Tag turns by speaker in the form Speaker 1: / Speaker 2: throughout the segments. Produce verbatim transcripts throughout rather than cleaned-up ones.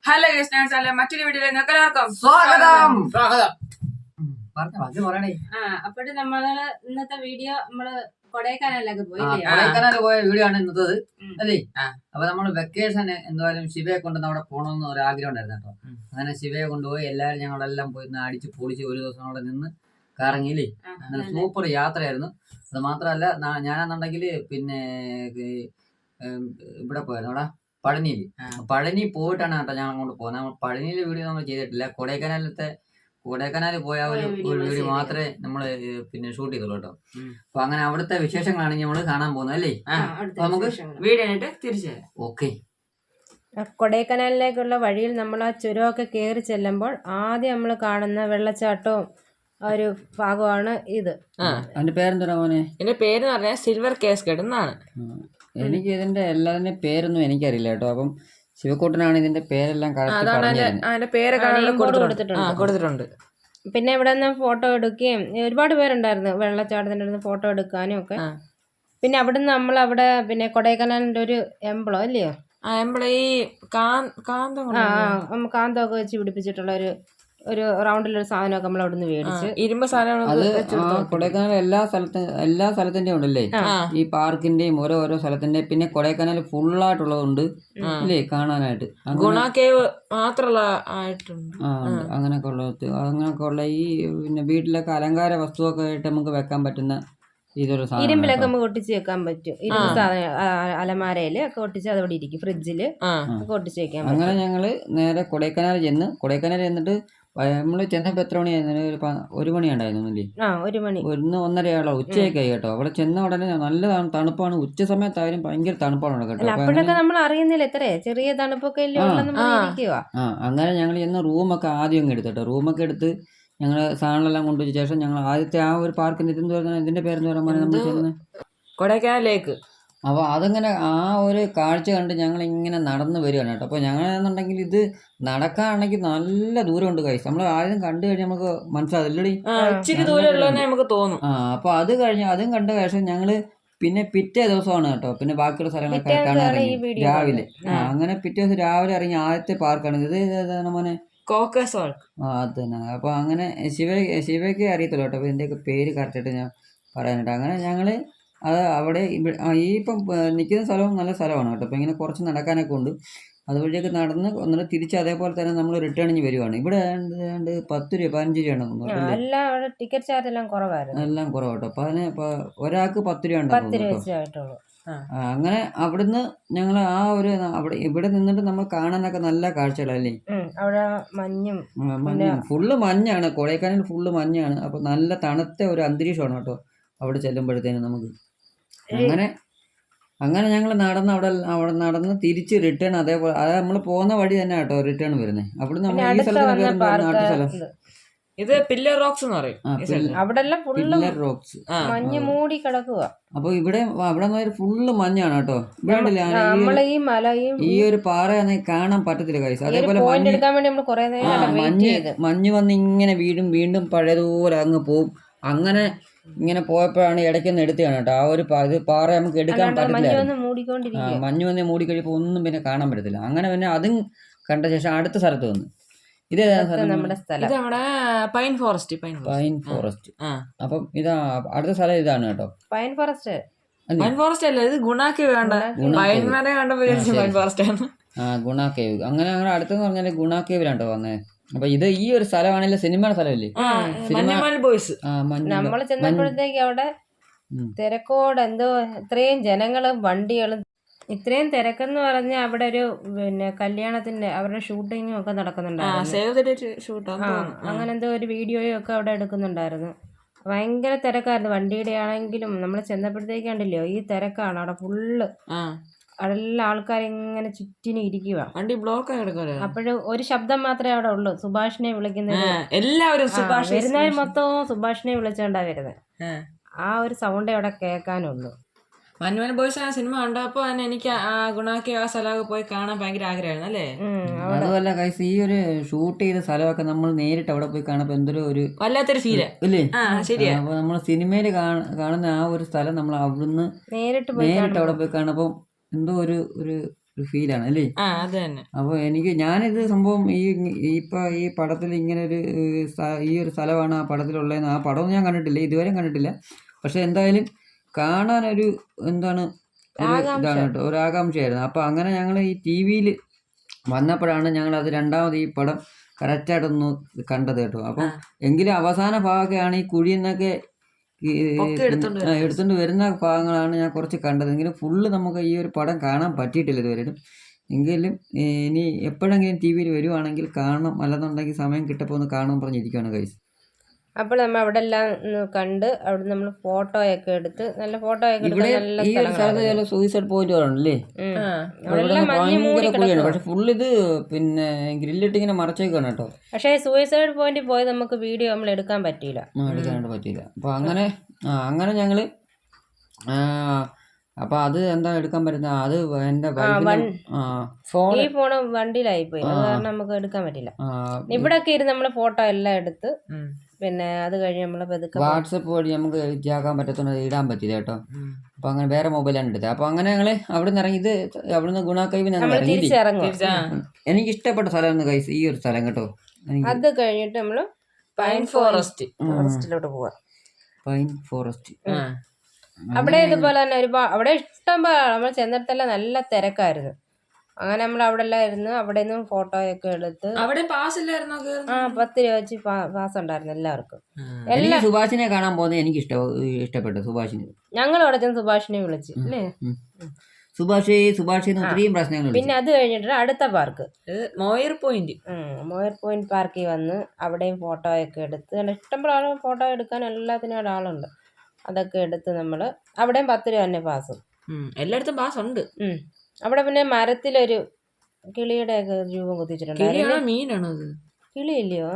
Speaker 1: Hello guys, മറ്റൊരു വീഡിയോയിൽ നിങ്ങൾക്ക് എല്ലാവർക്കും
Speaker 2: സ്വാഗതം. സ്വാഗതം.
Speaker 3: ആ അപ്പോഴ് നമ്മള് ഇന്നത്തെ വീഡിയോ നമ്മള് കൊടൈക്കനാലിലൊക്കെ പോയി
Speaker 2: കൊടൈക്കനാല് പോയ വീഡിയോ ആണ് ഇന്നത്തത് അല്ലേ?
Speaker 1: ആ.
Speaker 2: അപ്പൊ നമ്മള് വെക്കേഷന് എന്തായാലും ശിവയെ കൊണ്ട് അവിടെ പോകണമെന്ന് ഒരു ആഗ്രഹം ഉണ്ടായിരുന്നു കേട്ടോ. അങ്ങനെ ശിവയെ കൊണ്ടുപോയി എല്ലാരും ഞങ്ങളെല്ലാം പോയി അടിച്ച് പൊളിച്ച് ഒരു ദിവസം അവിടെ നിന്ന് കറങ്ങിയില്ലേ. അങ്ങനെ സൂപ്പർ യാത്രയായിരുന്നു. അത് മാത്രമല്ല ഞാനെന്നുണ്ടെങ്കിൽ പിന്നെ ഇവിടെ പോയിരുന്നു അവിടെ പഴനിയിൽ. പഴനി പോയിട്ടാണ് കേട്ടോ ഞാൻ അങ്ങോട്ട് പോകുന്നത്. നമ്മൾ പഴനിയിലെ വീഡിയോ നമ്മൾ ചെയ്തിട്ടില്ല. കൊടൈക്കനാലത്തെ കൊടൈക്കനാലിൽ പോയ ഒരു വീഡിയോ മാത്രമേ നമ്മള് പിന്നെ ഷൂട്ട് ചെയ്തുള്ളൂ കേട്ടോ. അപ്പൊ അങ്ങനെ അവിടുത്തെ വിശേഷങ്ങളാണ് നമ്മൾ കാണാൻ പോകുന്നത് അല്ലേ? നമുക്ക്
Speaker 1: വീഡിയോ തിരിച്ചു
Speaker 2: ഓക്കെ.
Speaker 3: കൊടൈക്കനാലിലേക്കുള്ള വഴിയിൽ നമ്മൾ ആ ചുരമൊക്കെ കയറി ചെല്ലുമ്പോൾ ആദ്യം നമ്മൾ കാണുന്ന വെള്ളച്ചാട്ടവും ഒരു ഭാഗമാണ് ഇത്.
Speaker 2: അതിന്റെ പേരെന്താ മോനെ?
Speaker 1: എന്റെ പേര് പറഞ്ഞാൽ സിൽവർ കേസ്കേഡ് എന്നാണ്.
Speaker 2: എനിക്ക് ഇതിന്റെ എല്ലാതിന്റെ പേരൊന്നും എനിക്കറിയില്ല കേട്ടോ. അപ്പം ശിവക്കോട്ടനാണ് ഇതിന്റെ പേരെല്ലാം
Speaker 1: കൊടുത്തിട്ടുണ്ട്.
Speaker 3: പിന്നെ ഇവിടെ നിന്ന് ഫോട്ടോ എടുക്കുകയും ഒരുപാട് പേരുണ്ടായിരുന്നു വെള്ളച്ചാട്ടത്തിന്റെ അടുത്ത് ഫോട്ടോ എടുക്കാനും ഒക്കെ. പിന്നെ അവിടെ നിന്ന് നമ്മൾ അവിടെ പിന്നെ കൊടൈക്കനാലിന്റെ ഒരു എംബ്ലം അല്ലയോ,
Speaker 1: ആ എംബ്ലം ഈ കാന്തം
Speaker 3: കാന്തമൊക്കെ വെച്ച് പിടിപ്പിച്ചിട്ടുള്ള ഒരു ഒരു റൗണ്ടിലൊരു സാധനമൊക്കെ നമ്മൾ അവിടെ നിന്ന് മേടിച്ച്
Speaker 1: ഇരുമ്പ് സാധനം.
Speaker 2: കൊടൈക്കനാൽ എല്ലാ സ്ഥലത്തും എല്ലാ സ്ഥലത്തിന്റെയും ഉണ്ടല്ലേ ഈ പാർക്കിന്റെയും ഓരോ ഓരോ സ്ഥലത്തിന്റെയും. പിന്നെ കൊടൈക്കനാൽ ഫുള്ളായിട്ടുള്ളതുണ്ട് അല്ലേ കാണാനായിട്ട്.
Speaker 1: ഗുണ കേവ് മാത്രമുള്ള ആയിട്ടുണ്ട്.
Speaker 2: ആ അങ്ങനെയൊക്കെ ഉള്ളത് അങ്ങനെയൊക്കെ ഉള്ള ഈ പിന്നെ വീട്ടിലൊക്കെ അലങ്കാര വസ്തുവൊക്കെ ആയിട്ട് നമുക്ക് വെക്കാൻ പറ്റുന്ന ഇതൊരു സാധനം.
Speaker 3: ഇരുമ്പിലൊക്കെ നമുക്ക് ഒട്ടിച്ച് വെക്കാൻ പറ്റും. ഇരുമ്പ് സാധനം അലമാരയില് ഒക്കെ ഒട്ടിച്ച് അതോടെ ഇരിക്കും. ഫ്രിഡ്ജില് ഒക്കെ ഒട്ടിച്ച് വെക്കാൻ പറ്റും.
Speaker 2: അങ്ങനെ ഞങ്ങള് നേരെ കൊടൈക്കനാൽ ചെന്ന് കൊടൈക്കനാൽ ചെന്നിട്ട് നമ്മള് ചെന്നപ്പോ എത്ര മണിയായിരുന്നു? ഒരു ഒരു മണി ഉണ്ടായിരുന്നു അല്ലേ?
Speaker 3: ആ ഒരു മണി
Speaker 2: ഒന്ന് ഒന്നരയാളോ ഉച്ചയൊക്കെ ആയി കേട്ടോ. അവിടെ ചെന്ന ഉടനെ നല്ല തണുപ്പാണ്. ഉച്ച സമയത്തായാലും ഭയങ്കര തണുപ്പാണ് കേട്ടോ.
Speaker 3: അപ്പോഴൊക്കെ നമ്മൾ അറിയുന്നില്ല ഇത്രേ ചെറിയ തണുപ്പൊക്കെ
Speaker 2: ആ അങ്ങനെ ഞങ്ങൾ ചെന്ന് റൂമൊക്കെ ആദ്യം അങ്ങ് എടുത്തിട്ടോ. റൂമൊക്കെ എടുത്ത് ഞങ്ങൾ സാധനങ്ങളെല്ലാം കൊണ്ടുവച്ച ശേഷം ഞങ്ങൾ ആദ്യത്തെ ആ ഒരു പാർക്കിന്റെ ഇതെന്ന് പറഞ്ഞാൽ ഇതിന്റെ പേരെന്ന് പറയാൻ നമ്മൾ ചെന്ന്
Speaker 1: കൊടൈക്കനാൽ ലേക്ക്.
Speaker 2: അപ്പോൾ അതങ്ങനെ ആ ഒരു കാഴ്ച കണ്ട് ഞങ്ങൾ ഇങ്ങനെ നടന്നു വരികയാണ് കേട്ടോ. അപ്പോൾ ഞങ്ങളെന്നുണ്ടെങ്കിൽ ഇത് നടക്കാണെങ്കിൽ നല്ല ദൂരമുണ്ട് കൈസ്. നമ്മൾ ആദ്യം കണ്ടു കഴിഞ്ഞാൽ നമുക്ക് മനസ്സിലാവില്ലടി
Speaker 1: ഇച്ചിരി ദൂരം നമുക്ക് തോന്നും.
Speaker 2: ആ അപ്പോൾ അത് കഴിഞ്ഞ് അതും കണ്ട ശേഷം ഞങ്ങള് പിന്നെ പിറ്റേ ദിവസമാണ് കേട്ടോ പിന്നെ ബാക്കിയുള്ള സ്ഥലങ്ങളൊക്കെ കാണാൻ ഇറങ്ങി രാവിലെ. ആ അങ്ങനെ പിറ്റേ ദിവസം രാവിലെ ഇറങ്ങി ആദ്യത്തെ പാർക്കാണ് ഇത്. ഏതാണ് മോനെ?
Speaker 1: കോക്കസ്.
Speaker 2: ആ അത് തന്നെ. അപ്പോൾ അങ്ങനെ ശിവ ശിവയ്ക്ക് അറിയത്തുള്ളൂ കേട്ടോ. അപ്പോൾ ഇതിൻ്റെയൊക്കെ പേര് കറക്റ്റായിട്ട് ഞാൻ പറയാനായിട്ട്. അങ്ങനെ ഞങ്ങൾ അത് അവിടെ ഈ ഇപ്പം നിൽക്കുന്ന സ്ഥലവും നല്ല സ്ഥലമാണ് കേട്ടോ. അപ്പോൾ ഇങ്ങനെ കുറച്ച് നടക്കാനൊക്കെ ഉണ്ട്. അതുവഴിയൊക്കെ നടന്ന് ഒന്നിട്ട് തിരിച്ച് അതേപോലെ തന്നെ നമ്മൾ റിട്ടേണിങ് വരുവാണ്. ഇവിടെ ഏതാണ്ട് പത്ത് രൂപ പതിനഞ്ച് രൂപയാണ്
Speaker 3: ടിക്കറ്റ് ചാർജ് എല്ലാം കുറവായിരുന്നു.
Speaker 2: എല്ലാം കുറവ് കേട്ടോ. അപ്പോൾ അതിന് ഒരാൾക്ക് പത്ത് രൂപ ഉണ്ടാവും. അങ്ങനെ അവിടുന്ന് ഞങ്ങൾ ആ ഒരു അവിടെ ഇവിടെ നിന്നിട്ട് നമ്മൾ കാണാനൊക്കെ നല്ല കാഴ്ചകളല്ലേ.
Speaker 3: അവിടെ മഞ്ഞും
Speaker 2: മഞ്ഞും ഫുള്ള് മഞ്ഞാണ്. കൊടൈക്കനാൽ ഫുള്ള് മഞ്ഞാണ്. അപ്പൊ നല്ല തണുത്ത ഒരു അന്തരീക്ഷമാണ് കേട്ടോ അവിടെ ചെല്ലുമ്പോഴത്തേനും നമുക്ക്. അങ്ങനെ അങ്ങനെ ഞങ്ങൾ നടന്ന് അവിടെ അവിടെ നടന്ന് തിരിച്ച് റിട്ടേൺ അതേപോലെ അത് നമ്മൾ പോകുന്ന വഴി തന്നെ കേട്ടോ റിട്ടേൺ വരുന്നത്. അവിടെ നമ്മൾ ഈ സ്ഥലത്തിന് പേരുണ്ടോ? അടുത്ത സ്ഥലം
Speaker 1: ഇത് പില്ലർ റോക്സ് എന്ന് പറയും.
Speaker 2: പില്ലർ റോക്സ്
Speaker 3: മഞ്ഞ് മൂടി കിടക്കുക.
Speaker 2: അപ്പൊ ഇവിടെ അവിടെ ഫുള്ള് മഞ്ഞാണ് കേട്ടോ. ഇവിടെ ഈ ഒരു പാറ കാണാൻ പറ്റത്തില്ല കൈസ്. അതേപോലെ മഞ്ഞ് മഞ്ഞ് വന്ന് ഇങ്ങനെ വീണ്ടും വീണ്ടും പഴയതുപോലെ അങ്ങ് പോവും. അങ്ങനെ ഇങ്ങനെ പോയപ്പോഴാണ് ഇടയ്ക്കൊന്ന് എടുത്തതാണ് കേട്ടോ. ആ ഒരു ഇത് പാറ നമുക്ക് എടുക്കാൻ പറ്റത്തില്ല. മഞ്ഞ് വന്ന് മൂടി കഴിയുമ്പോൾ ഒന്നും പിന്നെ കാണാൻ പറ്റത്തില്ല. അങ്ങനെ പിന്നെ അതും കണ്ട ശേഷം അടുത്ത സ്ഥലത്ത് വന്നു. ഇത്
Speaker 3: നമ്മുടെ സ്ഥലം
Speaker 1: പൈൻ ഫോറസ്റ്റ്.
Speaker 2: Pine forest. അപ്പം ഇതാ അടുത്ത സ്ഥലം ഇതാണ് കേട്ടോ.
Speaker 3: പൈൻ ഫോറസ്റ്റ്
Speaker 1: പൈൻ ഫോറസ്റ്റ് അല്ല, ഇത് ഗുണ കേവ്. വേണ്ട പൈൻ ഫോറസ്റ്റ് ആണ്.
Speaker 2: ആ ഗുണ കേവ്. അങ്ങനെ അങ്ങനെ അടുത്തെന്ന് പറഞ്ഞാല് ഗുണ കേവിലാണ്ടോ വന്നേ. അപ്പൊ ഇത് ഈ ഒരു സ്ഥലമാണല്ലോ സിനിമയുടെ സ്ഥലമല്ലേ.
Speaker 3: നമ്മൾ ചെന്നപ്പോഴത്തേക്ക് അവിടെ തിരക്കോട് എന്തോ ഇത്രയും ജനങ്ങളും വണ്ടികളും ഇത്രയും തിരക്കെന്ന് പറഞ്ഞാൽ അവിടെ ഒരു പിന്നെ കല്യാണത്തിന്റെ അവരുടെ ഷൂട്ടിങ്ങും ഒക്കെ നടക്കുന്നുണ്ടായിരുന്നു. അങ്ങനെ എന്തോ ഒരു വീഡിയോയും ഒക്കെ അവിടെ എടുക്കുന്നുണ്ടായിരുന്നു. ഭയങ്കര തിരക്കായിരുന്നു. വണ്ടിയുടെ ആണെങ്കിലും നമ്മൾ ചെന്നപ്പോഴത്തേക്ക് കണ്ടില്ലയോ ഈ തിരക്കാണ് അവിടെ ഫുള്ള്. അതെല്ലാം ആൾക്കാരിങ്ങനെ ചുറ്റിനും ഇരിക്കുക.
Speaker 1: വണ്ടി ബ്ലോക്ക്.
Speaker 3: അപ്പോഴും ഒരു ശബ്ദം മാത്രമേ അവിടെ ഉള്ളൂ, സുഭാഷിനെ വിളിക്കുന്നത്.
Speaker 1: എല്ലാവരും
Speaker 3: വരുന്നവർ മൊത്തവും സുഭാഷിനെ വിളിച്ചോണ്ടാ വരുന്നത്. ആ ഒരു സൗണ്ടേ അവിടെ കേൾക്കാനുള്ളൂ.
Speaker 1: മഞ്ഞുമൽ ബോയ്സ് ആ സിനിമ കണ്ടപ്പോ തന്നെ എനിക്ക് ആ ഗുണാക്കി ആ സ്ഥലമൊക്കെ പോയി കാണാൻ ഭയങ്കര ആഗ്രഹമായിരുന്നു അല്ലേ.
Speaker 2: അതുമല്ല കൈസ് ഈ ഒരു ഷൂട്ട് ചെയ്ത സ്ഥലമൊക്കെ നമ്മൾ നേരിട്ട് അവിടെ പോയി കാണുമ്പോ എന്തൊരു ഒരു
Speaker 1: വല്ലാത്തൊരു ഫീല്
Speaker 2: ഇല്ലേ.
Speaker 1: ശരിയാ.
Speaker 2: അപ്പൊ നമ്മൾ സിനിമയിൽ കാണുന്ന ആ ഒരു സ്ഥലം നമ്മൾ അവിടുന്ന് നേരിട്ട് നേരിട്ട് അവിടെ പോയി കാണുമ്പോ എന്തോ ഒരു ഒരു ഒരു ഫീലാണ് അല്ലേ?
Speaker 1: ആ അത് തന്നെ.
Speaker 2: അപ്പോൾ എനിക്ക് ഞാനിത് സംഭവം ഈ ഇപ്പം ഈ പടത്തിൽ ഇങ്ങനെ ഒരു ഈ ഒരു സ്ഥലമാണ് ആ പടത്തിലുള്ളതെന്ന് ആ പടമൊന്നും ഞാൻ കണ്ടിട്ടില്ല, ഇതുവരെ കണ്ടിട്ടില്ല. പക്ഷെ എന്തായാലും കാണാനൊരു എന്താണ് ഒരു ഇതാണ് കേട്ടോ, ഒരു ആകാംക്ഷയായിരുന്നു. അപ്പോൾ അങ്ങനെ ഞങ്ങൾ ഈ ടി വിയിൽ വന്നപ്പോഴാണ് ഞങ്ങൾ അത് രണ്ടാമത് ഈ പടം കറക്റ്റായിട്ടൊന്ന് കണ്ടത് കേട്ടോ. അപ്പം എങ്കിലും അവസാന ഭാഗമൊക്കെയാണ് ഈ കുഴിയിൽ നിന്നൊക്കെ എടുത്തുകൊണ്ട് വരുന്ന ഭാഗങ്ങളാണ് ഞാൻ കുറച്ച് കണ്ടത്. എങ്കിലും ഫുള്ള് നമുക്ക് ഈ ഒരു പടം കാണാൻ പറ്റിയിട്ടില്ല ഇതുവരെ. എങ്കിലും ഇനി എപ്പോഴെങ്കിലും ടി വിയിൽ വരുവാണെങ്കിൽ കാണണം, അല്ലെന്നുണ്ടെങ്കിൽ സമയം കിട്ടപ്പോൾ ഒന്ന് കാണാൻ പറഞ്ഞിരിക്കുകയാണ് ഗൈസ്.
Speaker 3: അപ്പോൾ നമ്മൾ അവിടെ എല്ലാം കണ്ട് അവിടെ നമ്മൾ ഫോട്ടോയൊക്കെ എടുത്ത് നല്ല ഫോട്ടോ ഒക്കെ എടുത്ത് നല്ല
Speaker 2: ഈ ഒരു സ്ഥലത്ത് സൂയിസൈഡ് പോയിന്റ് ആണല്ലേ, ഭയങ്കര കുഴിയാണ്. പക്ഷെ ഫുള്ള് ഇത് പിന്നെ ഗ്രില്ലിട്ട് ഇങ്ങനെ മറച്ചേക്കാണ് കേട്ടോ.
Speaker 3: പക്ഷേ സൂയിസൈഡ് പോയിന്റിൽ പോയി നമുക്ക് വീഡിയോ നമ്മൾ എടുക്കാൻ പറ്റിയില്ല,
Speaker 2: എടുക്കാനായിട്ട് പറ്റിയില്ല. അപ്പൊ അങ്ങനെ ആ അങ്ങനെ ഞങ്ങള് അപ്പൊ അത് എന്താ എടുക്കാൻ പറ്റുന്ന അത് എന്റെ
Speaker 3: ഫോൺ ഈ ഫോൺ വണ്ടിയിലായി പോയി, അത് കാരണം നമുക്ക് എടുക്കാൻ പറ്റില്ല. ഇവിടൊക്കെ ഇരുന്ന് നമ്മള് ഫോട്ടോ എല്ലാം എടുത്ത് പിന്നെ അത് കഴിഞ്ഞ് നമ്മള് പതുക്കെ
Speaker 2: വാട്സപ്പ് വഴി നമുക്ക് ഇതാക്കാൻ പറ്റത്തുള്ളത് ഇടാൻ പറ്റില്ല കേട്ടോ. അപ്പൊ അങ്ങനെ വേറെ മൊബൈലാണ് എടുത്തത്. അപ്പൊ അങ്ങനെ ഞങ്ങള് അവിടെ നിന്ന് ഇറങ്ങി, ഇത് അവിടുന്ന് ഗുണാക്കൈവിന്
Speaker 3: തിരിച്ചിറങ്ങും.
Speaker 2: എനിക്ക് ഇഷ്ടപ്പെട്ട സ്ഥലമാണ് ഗൈസ് ഈ ഒരു സ്ഥലം കേട്ടോ.
Speaker 3: അത് കഴിഞ്ഞിട്ട് നമ്മള് പൈൻ ഫോറസ്റ്റ് ഫോറസ്റ്റിലോട്ട് പോവാ.
Speaker 2: പൈൻ ഫോറസ്റ്റ്
Speaker 3: അവിടെ ഇതുപോലെ തന്നെ ഒരുപാട് അവിടെ ഇഷ്ടം പോലെ നമ്മൾ ചെന്നിടത്തെല്ലാം നല്ല തിരക്കായിരുന്നു. അങ്ങനെ നമ്മൾ അവിടെ എല്ലാം ഇരുന്ന് അവിടെ നിന്നും ഫോട്ടോയൊക്കെ എടുത്ത്
Speaker 1: അവിടെ പാസ് ഇല്ലായിരുന്നോ?
Speaker 3: ആ പത്ത് രൂപ വെച്ച് പാസ് ഉണ്ടായിരുന്നു എല്ലാവർക്കും.
Speaker 2: എല്ലാ സുഭാഷിനെ കാണാൻ പോകുന്നത് എനിക്ക് ഇഷ്ട ഇഷ്ടപ്പെട്ടു സുഭാഷിനെ.
Speaker 3: ഞങ്ങൾ അവിടെ ചെന്ന് സുഭാഷിനെ വിളിച്ചു അല്ലേ,
Speaker 2: സുഭാഷ് സുഭാഷ് ഒത്തിരിയും പ്രശ്നങ്ങൾ.
Speaker 3: പിന്നെ അത് കഴിഞ്ഞിട്ട് അടുത്ത park
Speaker 1: Moir point
Speaker 3: Moir point പാർക്കിൽ വന്ന് അവിടെയും ഫോട്ടോയൊക്കെ എടുത്ത് ഇഷ്ടംപോലെ ഫോട്ടോ എടുക്കാൻ എല്ലാത്തിനും അവിടെ ആളുണ്ട്. അതൊക്കെ എടുത്ത് നമ്മൾ അവിടെയും പത്ത് രൂപ തന്നെ പാസ്,
Speaker 1: എല്ലായിടത്തും പാസ് ഉണ്ട്.
Speaker 3: അവിടെ പിന്നെ മരത്തിലൊരു കിളിയുടെ ഒക്കെ രൂപം കുത്തിച്ചിട്ടുണ്ട്.
Speaker 1: മീനാണോ അത്?
Speaker 3: കിളിയില്ലയോ?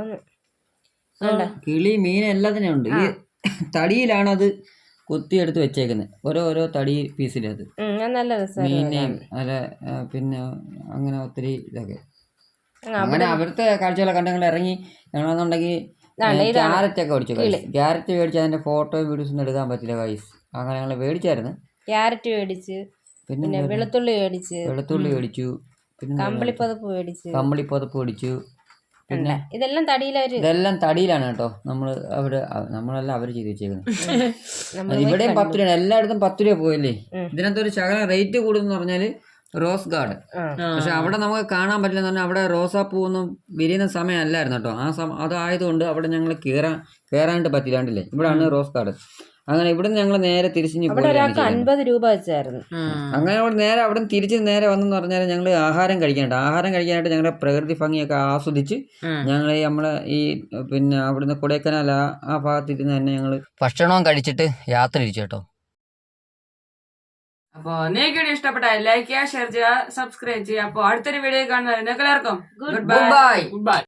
Speaker 2: കിളി മീൻ എല്ലാത്തിനും ഉണ്ട്. ഈ തടിയിലാണ് അത് കുത്തിയെടുത്ത് വെച്ചേക്കുന്നത്, ഓരോ ഓരോ തടി പീസിലത്.
Speaker 3: നല്ല രസമാണ്
Speaker 2: മീനെയും അല്ല പിന്നെ അങ്ങനെ ഒത്തിരി ഇതൊക്കെ. അങ്ങനെ അവിടുത്തെ കാഴ്ചകളൊക്കെ കണ്ട് ഞങ്ങൾ ഇറങ്ങി. ഞങ്ങളെന്നുണ്ടെങ്കിൽ ക്യാരറ്റ് ഒക്കെ മേടിച്ചു ഗൈസ്. ക്യാരറ്റ് മേടിച്ച് അതിന്റെ ഫോട്ടോ വീഡിയോസ് ഒന്നും എടുക്കാൻ പറ്റില്ല ഗൈസ്. അങ്ങനെ ഞങ്ങൾ മേടിച്ചായിരുന്നു.
Speaker 3: ക്യാരറ്റ് മേടിച്ച് പിന്നെ വെളുത്തുള്ളി മേടിച്ച്
Speaker 2: വെളുത്തുള്ളി മേടിച്ചു
Speaker 3: പിന്നെ കമ്പിളിപ്പതപ്പ് മേടിച്ചു
Speaker 2: കമ്പിളിപ്പതപ്പ് മേടിച്ചു പിന്നെ
Speaker 3: ഇതെല്ലാം തടിയിലാണ്
Speaker 2: ഇതെല്ലാം തടിയിലാണ് കേട്ടോ. നമ്മള് അവിടെ നമ്മളെല്ലാം അവര് ചെയ്ത് വെച്ചേക്കുന്നത്. ഇവിടെയും പത്ത് രൂപ, എല്ലായിടത്തും പത്ത് രൂപ പോയല്ലേ. ഇതിനകത്ത് ഒരു ശകലം റേറ്റ് കൂടുന്ന പറഞ്ഞാല് റോസ് ഗാർഡൻ. പക്ഷെ അവിടെ നമുക്ക് കാണാൻ പറ്റില്ലെന്ന് പറഞ്ഞാൽ അവിടെ റോസാപ്പൂവൊന്നും വിരിയുന്ന സമയം അല്ലായിരുന്നു കേട്ടോ. ആ സമയം അതായതുകൊണ്ട് അവിടെ ഞങ്ങൾ കയറാൻ കയറാനായിട്ട് പറ്റില്ലാണ്ടില്ലേ. ഇവിടെയാണ് റോസ് ഗാർഡൻ. അങ്ങനെ ഇവിടെ ഞങ്ങൾ നേരെ തിരിച്ചു
Speaker 3: അൻപത് രൂപ വെച്ചായിരുന്നു.
Speaker 2: അങ്ങനെ അവിടെ നേരെ അവിടെ തിരിച്ച് നേരെ വന്നെന്ന് പറഞ്ഞാൽ ഞങ്ങൾ ആഹാരം കഴിക്കാനായിട്ട് ആഹാരം കഴിക്കാനായിട്ട് ഞങ്ങളുടെ പ്രകൃതി ഭംഗിയൊക്കെ ആസ്വദിച്ച് ഞങ്ങൾ നമ്മളെ ഈ പിന്നെ അവിടുന്ന് കൊടൈക്കനാൽ ആ ഭാഗത്തിരുന്ന് തന്നെ ഞങ്ങൾ ഭക്ഷണവും കഴിച്ചിട്ട് യാത്ര തിരിച്ചു കേട്ടോ.
Speaker 1: അപ്പൊ നിങ്ങൾക്ക് വീഡിയോ ഇഷ്ടപ്പെട്ടാൽ ലൈക്ക് ചെയ്യുക, ഷെയർ ചെയ്യുക, സബ്സ്ക്രൈബ് ചെയ്യുക. അപ്പൊ അടുത്തൊരു വീഡിയോ കാണുന്നവരെ എല്ലാവർക്കും ഗുഡ് ബൈ. Good bye.